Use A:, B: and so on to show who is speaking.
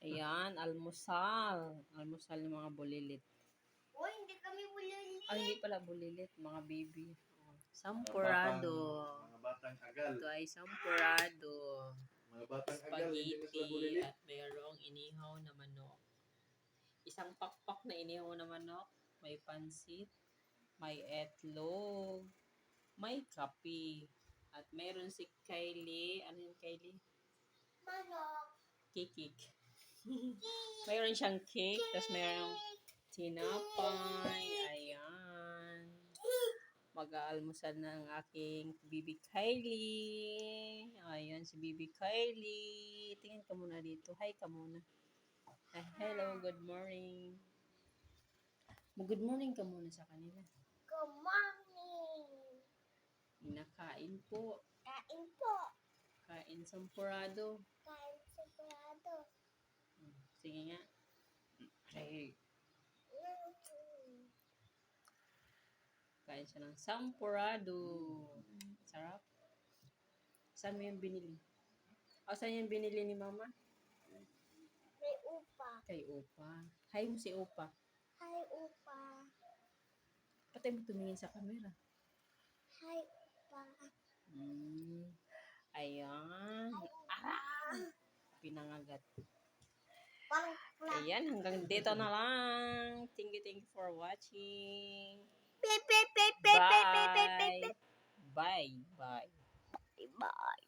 A: Ayan, almusal. Almusal ng mga bulilit.
B: Uy, hindi kami bulilit.
A: Ay, hindi pala bulilit, mga baby. Sampurado.
C: Mga batang agal.
A: Ito ay sampurado.
C: Mga batang agal, hindi na sila
A: Spaghetti
C: bulilit.
A: at mayroong inihaw na manok. Isang pakpak na inihaw na manok. May pansit. May etlog. May kape. At mayroon si Kylie. Ano yung Kylie?
B: Manok.
A: Kikik. Mayroon siyang cake. Tapos mayroong tinapay. Ayan. Mag-aalmusal na ang aking Bibi Kylie. Ayan, si Bibi Kylie. Tingin ka muna dito. Hi ka muna. Hello, good morning. Good morning ka muna sa kanila.
B: Good morning.
A: Inakain po.
B: Kain po.
A: Kain sampurado.
B: Kain sigurado.
A: Sige nga. Hey. Kain siya ng sampurado. Sarap. Saan mo yung binili? O, saan yung binili ni Mama?
B: May upa.
A: Kay Opa. Hi mo si Opa.
B: Hi, upa.
A: Patay mo tumingin sa camera.
B: Hi, upa.
A: Ayan. Pinangagat.
B: Parang flat.
A: Ayan, hanggang dito na lang. Thank you for watching.
B: Pe, pe, pe, pe, pe, pe, pe, pe, pe.
A: Bye. Bye.
B: Bye.